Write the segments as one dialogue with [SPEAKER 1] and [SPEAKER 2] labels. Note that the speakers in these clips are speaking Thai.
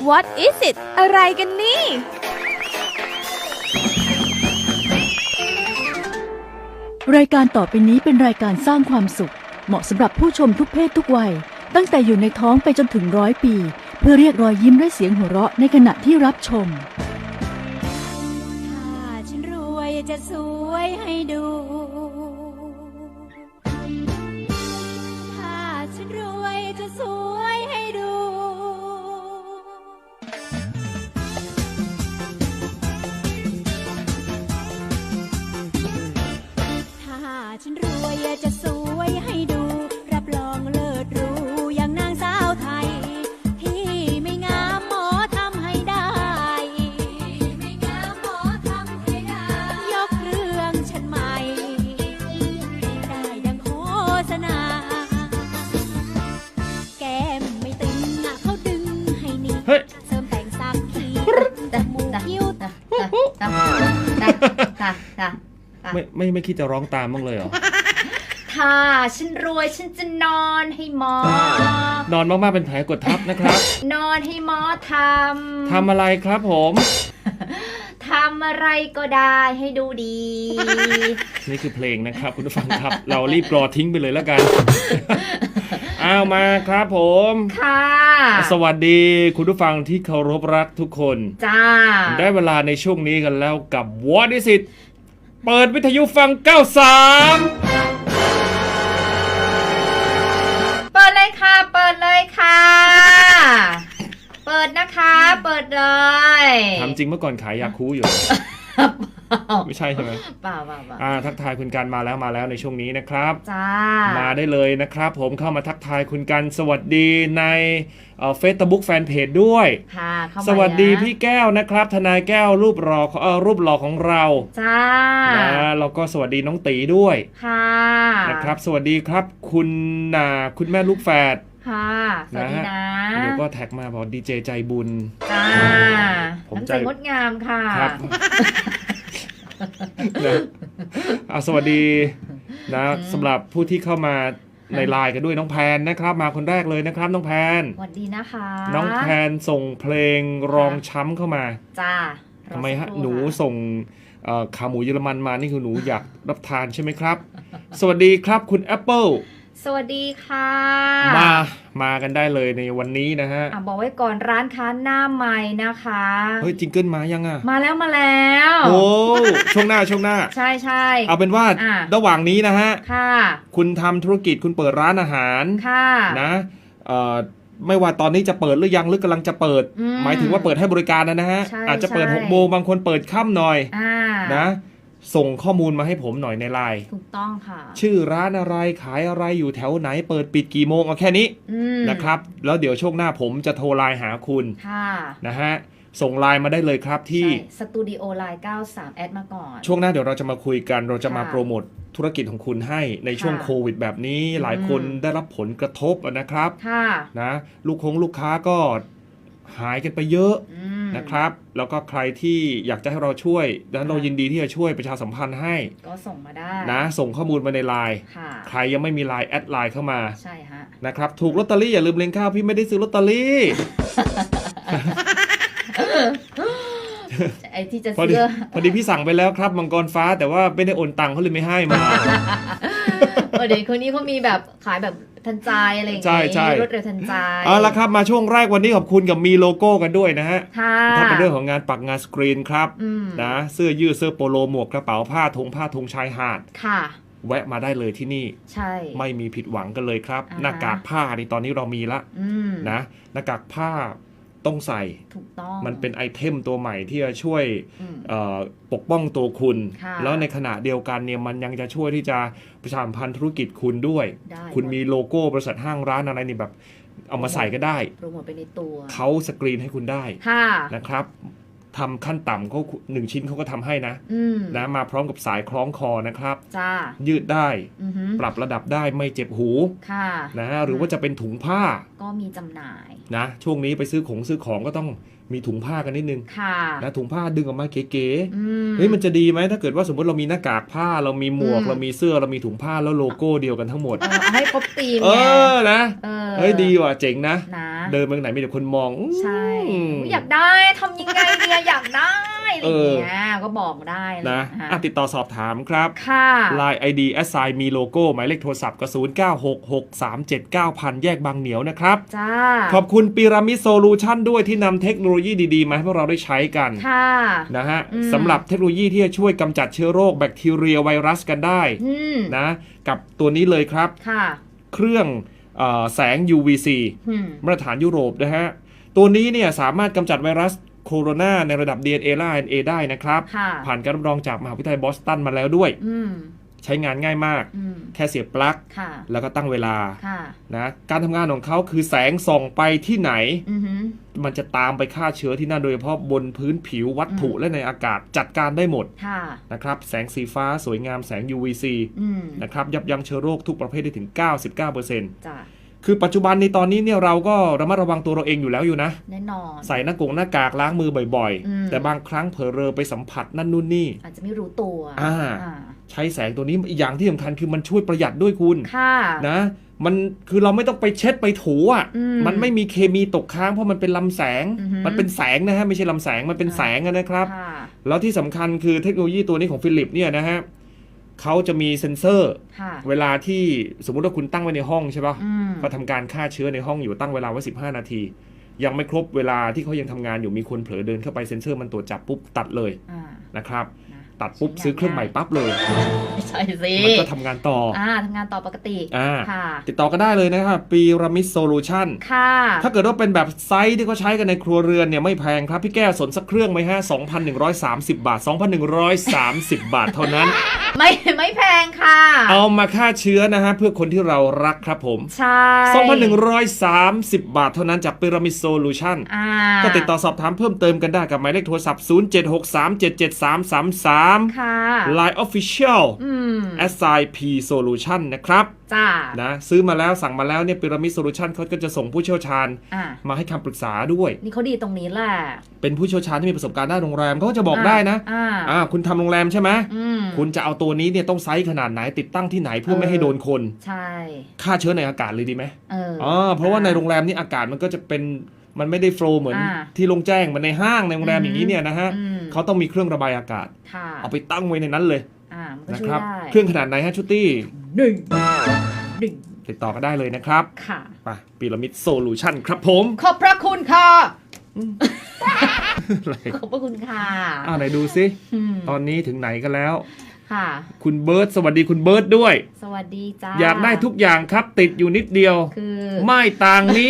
[SPEAKER 1] What is it อะไรกันนี่
[SPEAKER 2] รายการต่อไปนี้เป็นรายการสร้างความสุขเหมาะสำหรับผู้ชมทุกเพศทุกวัยตั้งแต่อยู่ในท้องไปจนถึง100 ปีเพื่อเรียกรอยยิ้มและเสียงหัวเราะในขณะที่รับชม
[SPEAKER 3] ถ้าฉันรวยจะสวยให้ดูถ้าฉันรวยจะสวยให้ดูถ้าฉันรวยจะสวยให้ดูรับรองเลิศหรูอย่างนางสาวไทยที่ไม่งามหมอทำให้ได้ไม่งามหมอทำให้ได้ยกเรื่องฉันใหม่ได้ดังโฆษณาแก้มไม่ตึงเขาดึงให้นี่เสริมแต่งสักทีจมูกคิ้ว
[SPEAKER 4] ไม่คิดจะร้องตามบ้างเลยเหรอ
[SPEAKER 3] ถ้าฉันรวยฉันจะนอนให้หม
[SPEAKER 4] อนอนมากๆเป็นแผลกดทับนะครับ
[SPEAKER 3] นอนให้หมอท
[SPEAKER 4] ำอะไรครับผม
[SPEAKER 3] ทำอะไรก็ได้ให้ดูดี
[SPEAKER 4] นี่คือเพลงนะครับคุณผู้ฟังครับ เรารีบกรอทิ้งไปเลยแล้วกันอ้าวมาครับผม
[SPEAKER 3] ค่ะ
[SPEAKER 4] สวัสดีคุณผู้ฟังที่เคารพรักทุกคน
[SPEAKER 3] จ้า
[SPEAKER 4] ได้เวลาในช่วงนี้กันแล้วกับ What is it เปิดวิทยุฟัง93
[SPEAKER 3] เปิดเลยค่ะเปิดเลยค่ะเปิดนะคะเปิดเลย
[SPEAKER 4] ทำจริงเมื่อก่อนขายยาคูอยู่ ไม่ใช่ใช่ไหม
[SPEAKER 3] เปล่า
[SPEAKER 4] ทักทายคุณกันมาแล้วในช่วงนี้นะครับ
[SPEAKER 3] จ้า
[SPEAKER 4] มาได้เลยนะครับผมเข้ามาทักทายคุณกันสวัสดีในFacebook Fanpage ด้วย
[SPEAKER 3] ค่ะ
[SPEAKER 4] สวัสดีพี่แก้วนะครับทนายแก้วรูปหล่อของเรา
[SPEAKER 3] จ้า
[SPEAKER 4] แล้วก็สวัสดีน้องตีด้วย
[SPEAKER 3] ค่ะ
[SPEAKER 4] นะครับสวัสดีครับคุณแม่ลูกแฝด
[SPEAKER 3] ค่ะสวัสดีนะ
[SPEAKER 4] เดี๋ยวก็แท็กมาบอกดีเจใจบุญ
[SPEAKER 3] จ้าผมใจงดงามค่ะ
[SPEAKER 4] ครับสวัสดีนะสำหรับผู้ที่เข้ามาในไลน์กันด้วยน้องแพนนะครับมาคนแรกเลยนะครับน้องแพน
[SPEAKER 3] สวัสดีนะคะ
[SPEAKER 4] น้องแพนส่งเพลงรองช้ำเข้ามา
[SPEAKER 3] จ้า
[SPEAKER 4] ทำไมฮะหนูส่งขาหมูเยอรมันมานี่คือหนูอยากรับทานใช่ไหมครับสวัสดีครับคุณแอปเปิล
[SPEAKER 3] สวัสดีค่ะ
[SPEAKER 4] มากันได้เลยในวันนี้นะฮะ
[SPEAKER 3] บอกไว้ก่อนร้านค้าหน้าใหม่นะคะ
[SPEAKER 4] เฮ้ยจิงเกิลมายังอ่ะ
[SPEAKER 3] มาแล้ว
[SPEAKER 4] โอ้ช่วงหน้า
[SPEAKER 3] ใช่
[SPEAKER 4] เอาเป็นว่าระหว่างนี้นะฮะ
[SPEAKER 3] ค่ะ
[SPEAKER 4] คุณทำธุรกิจคุณเปิดร้านอาหาร
[SPEAKER 3] ค่ะ
[SPEAKER 4] นะไม่ว่าตอนนี้จะเปิดหรือยังหรือกำลังจะเปิดหมายถึงว่าเปิดให้บริการนะฮะอาจจะเปิด6 โมงบางคนเปิดค่ำหน่อยนะส่งข้อมูลมาให้ผมหน่อยในไลน์
[SPEAKER 3] ถูกต้องค่ะ
[SPEAKER 4] ชื่อร้านอะไรขายอะไรอยู่แถวไหนเปิดปิดกี่โมงเอาแค่นี้นะครับแล้วเดี๋ยวช่วงหน้าผมจะโทรไลน์หาคุณนะฮะส่งไลน์มาได้เลยครับที่
[SPEAKER 3] สตูดิโอไลน์93แอดมาก่อน
[SPEAKER 4] ช่วงหน้าเดี๋ยวเราจะมาคุยกันเราจะมาโปรโมทธุรกิจของคุณให้ในช่วงโควิดแบบนี้หลายคนได้รับผลกระทบนะครับนะลูกค้าก็หายกันไปเยอะนะครับแล้วก็ใครที่อยากจะให้เราช่วยดังนั้นเรายินดีที่จะช่วยประชาสัมพันธ์ให้
[SPEAKER 3] ก็ส่งมาได้
[SPEAKER 4] นะส่งข้อมูลมาในไลน์ใครยังไม่มีไลน์แอดไลน์เข้ามา
[SPEAKER 3] ใช่ฮะ
[SPEAKER 4] นะครับถูกลอตเตอรี่อย่าลืมเล็งข้าวพี่ไม่ได้ซื้อลอตเตอรี่
[SPEAKER 3] ไอ้ที่จะซื้อ
[SPEAKER 4] พอดีพี่สั่งไปแล้วครับมังกรฟ้าแต่ว่าไม่ได้โอนตังค์เขาเลยไม่ให้มา
[SPEAKER 3] เดี๋ยวคนนี้เขามีแบบขายแบบทันใจอะไรอย่างเงี้ยรวดเร็วทันใจ
[SPEAKER 4] เอาละครับมาช่วงแรกวันนี้ขอบคุณกับมีโลโก้กันด้วยนะฮะถ้าเป็นเรื่องของงานปักงานสกรีนครับนะเสื้อยืดเสื้อโปโลหมวกกระเป๋าผ้าธงชายหาด
[SPEAKER 3] ค่ะ
[SPEAKER 4] แวะมาได้เลยที่นี่
[SPEAKER 3] ใช่
[SPEAKER 4] ไม่มีผิดหวังกันเลยครับหน้ากากผ้านี่ตอนนี้เรามีละนะหน้ากากผ้าต้องใส่
[SPEAKER 3] ถูกต้อง
[SPEAKER 4] มันเป็นไอเทมตัวใหม่ที่จะช่วยปกป้องตัวคุณแล้วในขณะเดียวกันเนี่ยมันยังจะช่วยที่จะประชาสัมพันธ์ธุรกิจคุณด้วยคุณมีโลโก้บริษัทห้างร้านอะไรนี่แบบเอามาใส่ก็ได้
[SPEAKER 3] โปรโมทไปในตัว
[SPEAKER 4] เขาสกรีนให้คุณได้นะครับทำขั้นต่ำเขา1 ชิ้นเขาก็ทำให้นะมาพร้อมกับสายคล้องคอนะครับยืดได้ปรับระดับได้ไม่เจ็บหูนะหรือว่าจะเป็นถุงผ้า
[SPEAKER 3] ก็มีจำหน่าย
[SPEAKER 4] นะช่วงนี้ไปซื้อของก็ต้องมีถุงผ้ากันนิดนึงนะถุงผ้าดึงออกมาเก๋ๆเฮ้ยมันจะดีไหมถ้าเกิดว่าสมมติเรามีหน้ากากผ้าเรามีหมวกเรามีเสื้อเรามีถุงผ้าแล้วโลโก้เดียวกันทั้งหมด
[SPEAKER 3] ให้ครบธีม
[SPEAKER 4] นะเฮ้ยดีว่ะเจ๋งนะ
[SPEAKER 3] นะ
[SPEAKER 4] เดินไปไหนมีแต่คนมอง
[SPEAKER 3] ใช่อยากได้ทำยังไงดีอยากได้อะไรอย่างเงี้ยก็บอกได้
[SPEAKER 4] นะติดต่อสอบถามครับ
[SPEAKER 3] ค่ะ
[SPEAKER 4] Line ID assign มีโลโก้หมายเลขโทรศัพท์ก็0966379000แยกบางเหนียวนะครับ
[SPEAKER 3] จ้า
[SPEAKER 4] ขอบคุณพีระมิดโซลูชันด้วยที่นำเทคโนโลยีดีๆมาให้พวกเราได้ใช้กัน
[SPEAKER 3] ค่ะ
[SPEAKER 4] นะฮะสำหรับเทคโนโลยีที่จะช่วยกำจัดเชื้อโรคแบคทีเรียไวรัสกันได้นะกับตัวนี้เลยครับเครื่องแสง UVC มาตรฐานยุโรปนะฮะตัวนี้เนี่ยสามารถกำจัดไวรัสโคโรนาในระดับ DNA และ RNA ได้นะครับผ่านการรับรองจากมหาวิทยาลัยบอสตันมาแล้วด้วยใช้งานง่ายมากแค่เสียบปลั๊กแล้วก็ตั้งเวลานะการทำงานของเขาคือแสงส่องไปที่ไหนมันจะตามไปฆ่าเชื้อที่นั่นโดยเฉพาะบนพื้นผิววัตถุและในอากาศจัดการได้หมดนะครับแสงสีฟ้าสวยงามแสง UVC นะครับยับยั้งเชื้อโรคทุกประเภทได้ถึง 99%คือปัจจุบันในตอนนี้เนี่ยเราก็ระมัดระวังตัวเราเองอยู่แล้วอยู่นะ
[SPEAKER 3] แน่นอน
[SPEAKER 4] ใส่หน้ากากล้างมือบ่อยๆแต่บางครั้งเผลอเรอไปสัมผัสนั่นนู่นนี่
[SPEAKER 3] อาจจะไม่รู้ตัว
[SPEAKER 4] ใช้แสงตัวนี้อีกอย่างที่สำคัญคือมันช่วยประหยัดด้วยคุณนะมันคือเราไม่ต้องไปเช็ดไปถูอ่ะมันไม่มีเคมีตกค้างเพราะมันเป็นลำแสงมันเป็นแสงนะฮะไม่ใช่ลำแสงมันเป็นแสงนะครับแล้วที่สำคัญคือเทคโนโลยีตัวนี้ของฟิลิปเนี่ยนะฮะเขาจะมีเซ็นเซอร์เวลาที่สมมุติว่าคุณตั้งไว้ในห้องใช่ป่ะเขาทำการฆ่าเชื้อในห้องอยู่ตั้งเวลาไว้15 นาทียังไม่ครบเวลาที่เขายังทำงานอยู่มีคนเผลอเดินเข้าไปเซ็นเซอร์มันตรวจจับปุ๊บตัดเลยนะครับตัดปุ๊บซื้อเครื่องใหม่ปั๊บเลย
[SPEAKER 3] ใช่สิ
[SPEAKER 4] มันก็ทำงานต่อ
[SPEAKER 3] ทำงานต่อปกติ
[SPEAKER 4] ติดต่อก็ได้เลยนะครับปีรามิดโซลูชันถ้าเกิดว่าเป็นแบบไซส์ที่เขาใช้กันในครัวเรือนเนี่ยไม่แพงครับพี่แก้วสนสักเครื่องไหมฮะ 2,130 บาท 2,130 บาทเท่านั้น
[SPEAKER 3] ไม่แพงค่ะ
[SPEAKER 4] เอามาฆ่าเชื้อนะฮะเพื่อคนที่เรารักครับผม
[SPEAKER 3] ใช่
[SPEAKER 4] 2,130 บาทเท่านั้นจากปีรามิดโซลูชันก็ติดต่อสอบถามเพิ่มเติมกันได้กับหมายเลขโทรศัพท์0763777333Line Official SIP Solution นะครับนะซื้อมาแล้วสั่งมาแล้วเนี่ยพีระมิดโซลูชันเขาก็จะส่งผู้เชี่ยวชาญมาให้คำปรึกษาด้วย
[SPEAKER 3] นี่เขาดีตรงนี้แหละ
[SPEAKER 4] เป็นผู้เชี่ยวชาญที่มีประสบการณ์ด้านโรงแรมเขาก็จะบอกได้นะคุณทำโรงแรมใช่ไหมคุณจะเอาตัวนี้เนี่ยต้องไซส์ขนาดไหนติดตั้งที่ไหนเพื่อไม่ให้โดนคน
[SPEAKER 3] ใช่
[SPEAKER 4] ฆ่าเชื้อในอากาศเลยดีไหมเพราะว่าในโรงแรมนี่อากาศมันก็จะเป็นมันไม่ได้โฟลว์เหมือนที่โรงแจ้งมันในห้างในโรงแรมอย่างนี้เนี่ยนะฮะเขาต้องมีเครื่องระบายอากาศเอาไปตั้งไว้ในนั้นเลยนะครับเครื่องขนาดไหนฮะชุตี้ติดต่อกันได้เลยนะครับไปพีระมิดโซลูชันครับผม
[SPEAKER 3] ขอบพระคุณค่ะขอบพระคุณค่ะ
[SPEAKER 4] ไหนดูซิตอนนี้ถึงไหนกันแล้วคุณเบิร์ตสวัสดีคุณเบิร์ตด้วย
[SPEAKER 3] สวัสดีจ้า
[SPEAKER 4] อยากได้ทุกอย่างครับติดอยู่นิดเดียวไม่ต่างนี้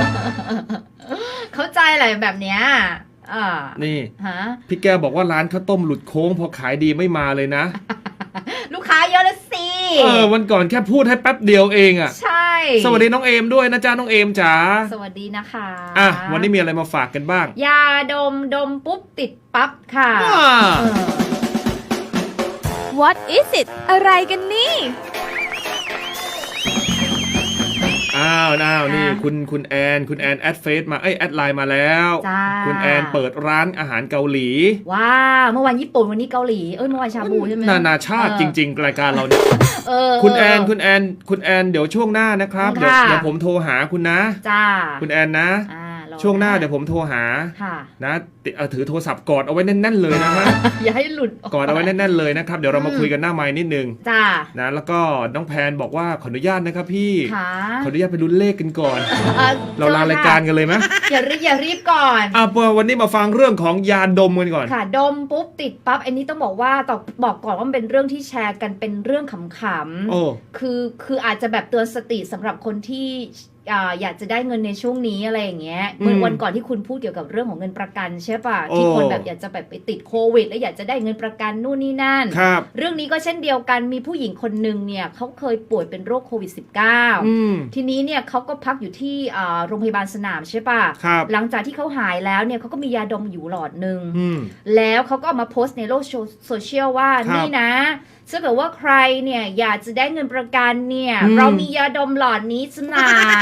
[SPEAKER 3] เข้าใจอะไรแบบเนี้ย
[SPEAKER 4] นี่พี่แก้วบอกว่าร้านข้าวต้มหลุดโค้งพอขายดีไม่มาเลยนะ
[SPEAKER 3] ลูกค้าเยอะเลยสิ
[SPEAKER 4] วันก่อนแค่พูดให้แป๊บเดียวเอง
[SPEAKER 3] ใช่
[SPEAKER 4] สวัสดีน้องเอมด้วยนะจ๊ะน้องเอมจ๋า
[SPEAKER 3] สวัสดีนะคะ
[SPEAKER 4] วันนี้มีอะไรมาฝากกันบ้าง
[SPEAKER 3] ยาดมปุ๊บติดปั๊บค่ะ
[SPEAKER 1] What is it อะไรกันนี่
[SPEAKER 4] นี่คุณแอนแอดเฟซมาแอดไลน์มาแล้วคุณแอนเปิดร้านอาหารเกาหลี
[SPEAKER 3] ว้าวเมื่อวานญี่ปุ่นวันนี้เกาหลีเมื่อวานชาบูใช่ไหม
[SPEAKER 4] นานาชาติจริงๆรายการเราเนี่ยคุณแอนเดี๋ยวช่วงหน้านะครับเดี๋ยวผมโทรหาคุณนะคุณแอนนะช่วงหน้าเดี๋ยวผมโทรหานะถือโทรศัพท์กอดเอาไว้แน่นๆเลยนะฮะ
[SPEAKER 3] อย่าให้หลุด
[SPEAKER 4] กอดเอาไว้แน่นๆเลยนะครับเดี๋ยวเรามาคุยกันหน้าไมค์นิดนึงนะแล้วก็น้องแพนบอกว่าขออนุญาตนะครับพี่ขออนุญาตไปลุ้นเลขกันก่อนเราลารายการกันเลยไหม
[SPEAKER 3] อย่ารีบก่อน
[SPEAKER 4] วันนี้มาฟังเรื่องของยาดมกันก่อน
[SPEAKER 3] ค่ะดมปุ๊บติดปั๊บอันนี้ต้องบอกว่าบอกก่อนว่ามันเป็นเรื่องที่แชร์กันเป็นเรื่องขำๆคืออาจจะแบบเตือนสติสำหรับคนที่อยากจะได้เงินในช่วงนี้อะไรอย่างเงี้ยเมื่อวันก่อนที่คุณพูดเกี่ยวกับเรื่องของเงินประกันใช่ป่ะที่คนแบบอยากจะแบบไปติดโควิดแล้วอยากจะได้เงินประกันนู่นนี่นั่นเรื่องนี้ก็เช่นเดียวกันมีผู้หญิงคนนึงเนี่ยเขาเคยป่วยเป็นโรคโควิด -19 ทีนี้เนี่ยเขาก็พักอยู่ที่โรงพยาบาลสนามใช่ป่ะหลังจากที่เขาหายแล้วเนี่ยเขาก็มียาดมอยู่หลอดนึงแล้วเขาก็เอามาโพสต์ในโลกโซเชียลว่านี่นะถ้าเกิดว่าใครเนี่ยอยากจะได้เงินประกันเนี่ยเรามียาดมหลอดนี้จำหน่าย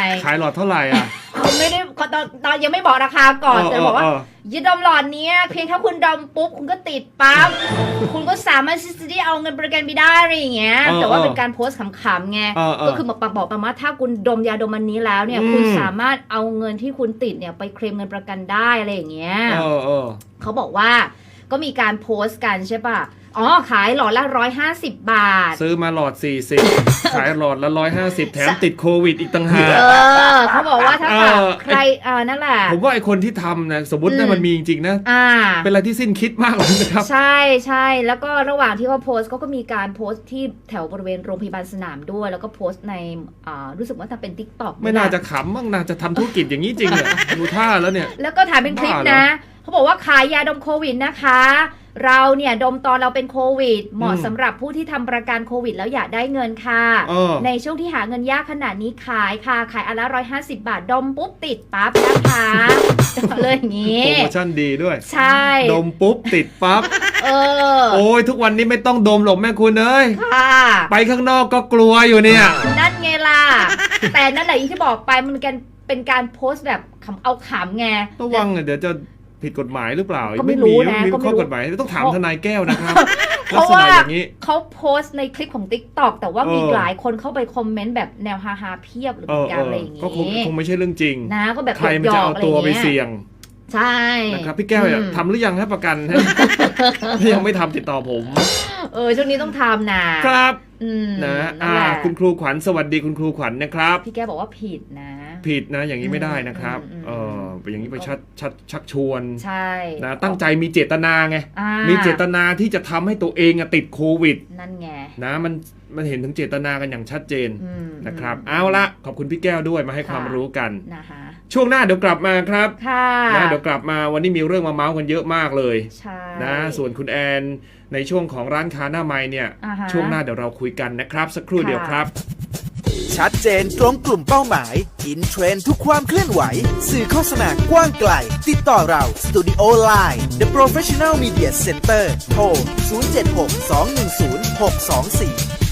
[SPEAKER 4] ขายหลอดเท่าไหร่อ่ะ
[SPEAKER 5] เขาไม่ได้ตอนยังไม่บอกราคาก่อนแต่บอกว่ายึดดมหลอดเนี้ยเพียงแค่คุณดมปุ๊บคุณก็ติดปั๊บ คุณก็สามารถที่จะได้เอาเงินประกันไปได้อะไรอย่างเงี้ยแต่ว่าเป็นการโพสต์ขำๆไงก็คือบอกประมาณถ้าคุณดมยาดมอันนี้แล้วเนี่ยคุณสามารถเอาเงินที่คุณติดเนี่ยไปเคลมเงินประกันได้อะไรอย่างเงี้ยเขาบอกว่าก็มีการโพสต์กันใช่ป่ะอ๋อขายหลอดละ150 บาท
[SPEAKER 4] ซื้อมาหลอด40ขายหลอดละ150แถมติดโควิดอีกต่างหาก
[SPEAKER 5] เขาบอกว่าถ้าใครนั่นแหละ
[SPEAKER 4] ผมว่าไอคนที่ทำนะสมมติถ้ามันมีจริงๆนะเป็นอะไรที่สิ้นคิดมากเลยนะครับ
[SPEAKER 5] ใช่ใช่แล้วก็ระหว่างที่เขาโพสต์ก็มีการโพสต์ที่แถวบริเวณโรงพยาบาลสนามด้วยแล้วก็โพสต์ในรู้สึกว่าจะเป็น TikTok
[SPEAKER 4] ไม่น่าจะขำมั้งน่าจะทำธุรกิจอย่างนี้จริงเนี่ยดูท่าแล้วเนี่ย
[SPEAKER 5] แล้วก็ถ่ายเป็นคลิปนะเขาบอกว่าขายยาดมโควิดนะคะเราเนี่ยดมตอนเราเป็นโควิดเหมาะสำหรับผู้ที่ทำประกันโควิดแล้วอยากได้เงินค่ะในช่วงที่หาเงินยากขนาดนี้ขายอันละ150 บาทดมปุ๊บติดปั๊บนะคะเลยอย่างนี้
[SPEAKER 4] โปรโมชั่นดีด้วย
[SPEAKER 5] ใช่
[SPEAKER 4] ดมปุ๊บติดปั๊บโอ้ยทุกวันนี้ไม่ต้องดมหรอกแม่คุณเอ้ยไปข้างนอกก็กลัวอยู่เนี่ย
[SPEAKER 5] นั่นไงล่ะแต่นั่นแหละที่บอกไปมันเป็นการโพสต์แบบเอาขำไง
[SPEAKER 4] ระวังเดี๋ยวจะผิดกฎหมายหรือเปล่าก็ไม่รู้นะมีข้อกฎหมายต้องถามทนายแก้วนะครับ
[SPEAKER 5] เพราะว่าเขาโพสต์ในคลิปของ TikTok แต่ว่ามีหลายคนเข้าไปคอมเมนต์แบบแนวฮาๆเพียบหรือการอะไรอย่างงี้
[SPEAKER 4] ก็คงไม่ใช่เรื่องจริง
[SPEAKER 5] นะก็แบบ
[SPEAKER 4] ใครมันจะเอาตัวไปเสี่ยง
[SPEAKER 5] ใช่
[SPEAKER 4] นะครับพี่แก้วทำหรือยังให้ประกันยังไม่ทำติดต่อผม
[SPEAKER 5] ช่วงนี้ต้องทำนะครับ
[SPEAKER 4] นะคุณครูขวัญสวัสดีคุณครูขวัญนะครับ
[SPEAKER 5] พี่แก้วบอกว่าผิดนะ
[SPEAKER 4] อย่างนี้ไม่ได้นะครับอย่างนี้ไปชักชวน
[SPEAKER 5] ใช่
[SPEAKER 4] นะตั้งใจมีเจตนาไงมีเจตนาที่จะทำให้ตัวเองติดโควิด
[SPEAKER 5] นั่นไง
[SPEAKER 4] นะมันเห็นถึงเจตนากันอย่างชัดเจนนะครับเอาละขอบคุณพี่แก้วด้วยมาให้ความรู้กัน
[SPEAKER 5] นะคะ
[SPEAKER 4] ช่วงหน้าเดี๋ยวกลับมาครับ
[SPEAKER 5] นะ
[SPEAKER 4] เดี๋ยวกลับมาวันนี้มีเรื่องมาเมาส์กันเยอะมากเลยนะส่วนคุณแอนในช่วงของร้านค้าหน้าไม้เนี่ยช่วงหน้าเดี๋ยวเราคุยกันนะครับสักครู่เดียวครับ
[SPEAKER 6] ชัดเจนตรงกลุ่มเป้าหมายอินเทรนด์ทุกความเคลื่อนไหวสื่อโฆษณากว้างไกลติดต่อเรา Studio Line The Professional Media Center โทร 076 210 624